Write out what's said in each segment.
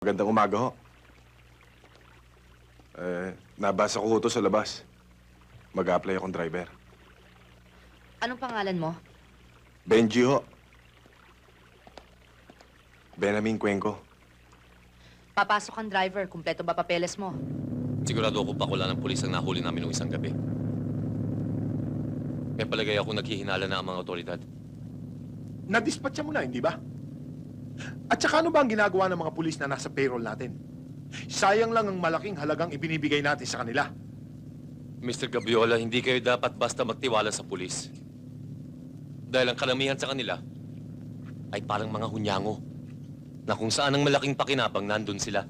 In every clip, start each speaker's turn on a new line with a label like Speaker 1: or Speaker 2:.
Speaker 1: Magandang umaga ho. Nabasa ko ho to sa labas. Mag-a-apply akong driver.
Speaker 2: Anong pangalan mo?
Speaker 1: Benji ho. Benjamin Cuenco.
Speaker 2: Papasok ang driver. Kumpleto ba papeles mo?
Speaker 3: Sigurado ako pakula ng pulis ang nahuli namin noong isang gabi. Kaya palagay ako naghihinala na ang mga otoridad.
Speaker 4: Nadispatcha mo na, hindi ba? At saka ano ba ang ginagawa ng mga pulis na nasa payroll natin? Sayang lang ang malaking halagang ibinibigay natin sa kanila.
Speaker 3: Mr. Gabiola, hindi kayo dapat basta magtiwala sa pulis. Dahil ang karamihan sa kanila ay parang mga hunyango na kung saan ang malaking pakinabang nandun sila.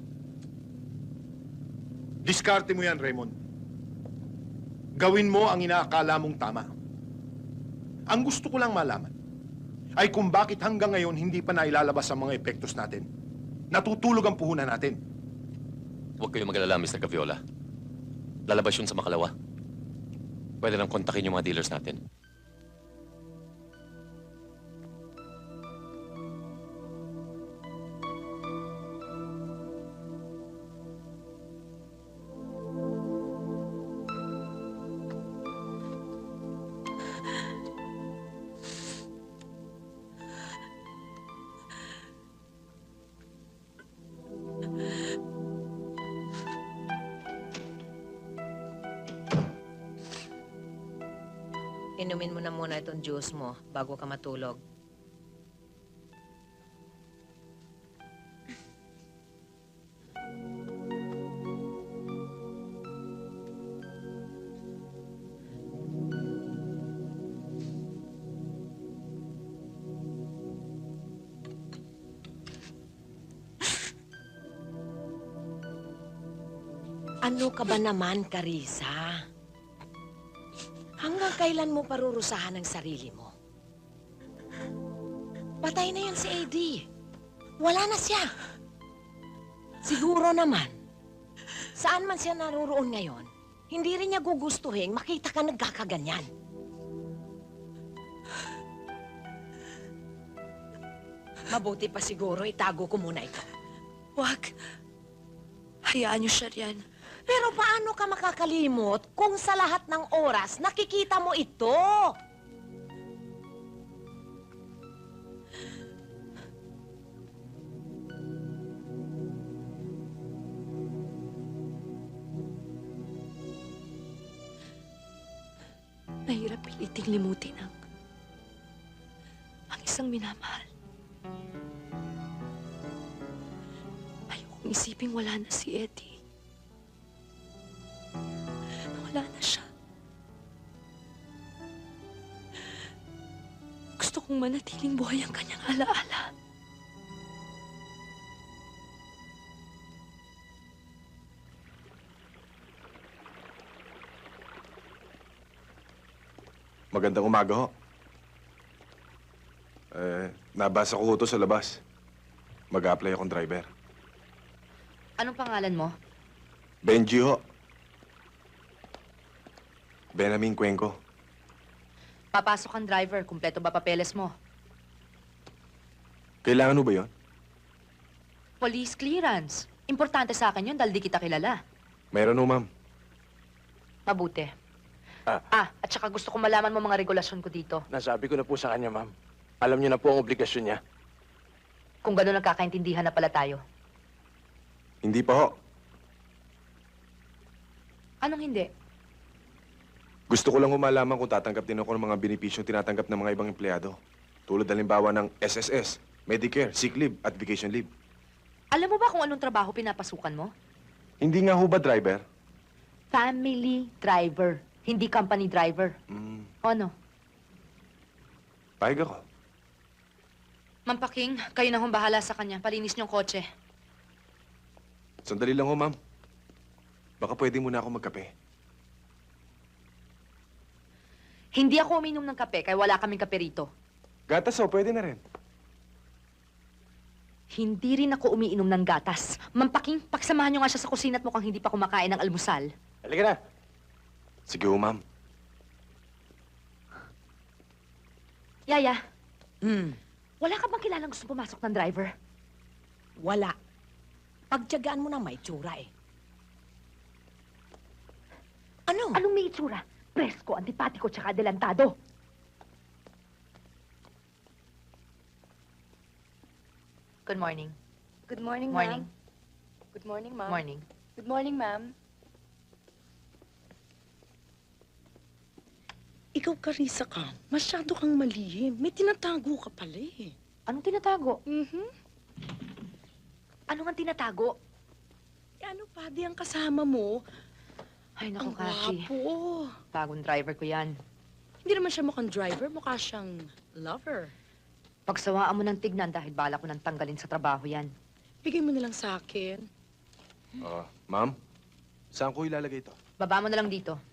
Speaker 4: Diskarte mo yan, Raymond. Gawin mo ang inaakala mong tama. Ang gusto ko lang malaman ay kung bakit hanggang ngayon hindi pa nailalabas ang mga epektos natin. Natutulog ang puhunan natin.
Speaker 3: Huwag kayong mag-alala, Mr. Gaviola. Lalabas yun sa makalawa. Pwede nang kontakin yung mga dealers natin.
Speaker 5: Inumin mo na muna itong juice mo bago ka matulog. Ano ka ba naman, Carissa? Hanggang kailan mo parurusahan ang sarili mo? Patay na yan si Eddie. Wala na siya. Siguro naman, saan man siya naroon ngayon, hindi rin niya gugustuhin makita ka nagkakaganyan. Mabuti pa siguro itago ko muna ito.
Speaker 6: Huwag. Hayaan niyo siya riyan.
Speaker 5: Pero paano ka makakalimot kung sa lahat ng oras nakikita mo ito?
Speaker 6: Mahirap piliting limutin ang isang minamahal. Ayokong isiping wala na si Eddie. Wala na siya. Gusto kong manatiling buhay ang kanyang alaala.
Speaker 1: Magandang umaga ho. Nabasa ko ho to sa labas. Mag-a-apply akong driver.
Speaker 2: Anong pangalan mo?
Speaker 1: Benji ho. Benjamin Cuenco.
Speaker 2: Papasok ang driver. Kumpleto ba papeles mo?
Speaker 1: Kailangan ho ba yun?
Speaker 2: Police clearance. Importante sa akin yun dahil di kita kilala.
Speaker 1: Mayroon ho, ma'am.
Speaker 2: Mabuti.
Speaker 7: Ah.
Speaker 2: At saka gusto kong malaman mo mga regulasyon ko dito.
Speaker 7: Nasabi ko na po sa kanya, ma'am. Alam niyo na po ang obligasyon niya.
Speaker 2: Kung gano'n nagkakaintindihan na pala tayo.
Speaker 1: Hindi pa ho.
Speaker 2: Anong hindi?
Speaker 1: Gusto ko lang humalaman kung tatanggap din ako ng mga benepisyong tinatanggap ng mga ibang empleyado. Tulad halimbawa ng SSS, Medicare, sick leave at vacation leave.
Speaker 2: Alam mo ba kung anong trabaho pinapasukan mo?
Speaker 1: Hindi nga ho ba driver?
Speaker 2: Family driver. Hindi company driver. O ano?
Speaker 1: Pahig ako.
Speaker 2: Mampaking, kayo na hong bahala sa kanya. Palinis niyong kotse.
Speaker 1: Sandali lang ho, ma'am. Baka pwede muna ako magkape.
Speaker 2: Hindi ako uminom ng kape, kaya wala kaming kape rito.
Speaker 1: Gatas ho, pwede na rin.
Speaker 2: Hindi rin ako umiinom ng gatas. Mampaking, paksamahan niyo nga siya sa kusina at mukhang hindi pa kumakain ng almusal.
Speaker 7: Halika na.
Speaker 1: Sige ho, ma'am.
Speaker 2: Yaya, wala ka bang kilalang gusto pumasok ng driver?
Speaker 5: Wala. Pagtiyagaan mo na may tsura eh. Ano?
Speaker 2: Anong may itsura? Presko, antipatiko, tsaka adelantado. Good morning.
Speaker 6: Good morning,
Speaker 2: Morning.
Speaker 6: ma'am. Good morning, ma'am.
Speaker 2: Morning.
Speaker 6: Good morning, ma'am.
Speaker 8: Ikaw, Carissa ka. Masyado kang malihim. May tinatago ka pala eh.
Speaker 2: Anong tinatago?
Speaker 8: Mhm.
Speaker 2: Ano nga tinatago?
Speaker 8: Eh, ano pa, di ang kasama mo?
Speaker 2: Ay, naku,
Speaker 8: Ang
Speaker 2: Kashi.
Speaker 8: gwapo.
Speaker 2: Bagong driver ko yan.
Speaker 8: Hindi naman siya mukhang driver, mukha siyang lover.
Speaker 2: Pagsawaan mo ng tignan dahil bala ko nang tanggalin sa trabaho yan.
Speaker 8: Bigay mo na lang sa akin.
Speaker 1: Ma'am, saan ko ilalagay ito?
Speaker 2: Baba mo na lang dito.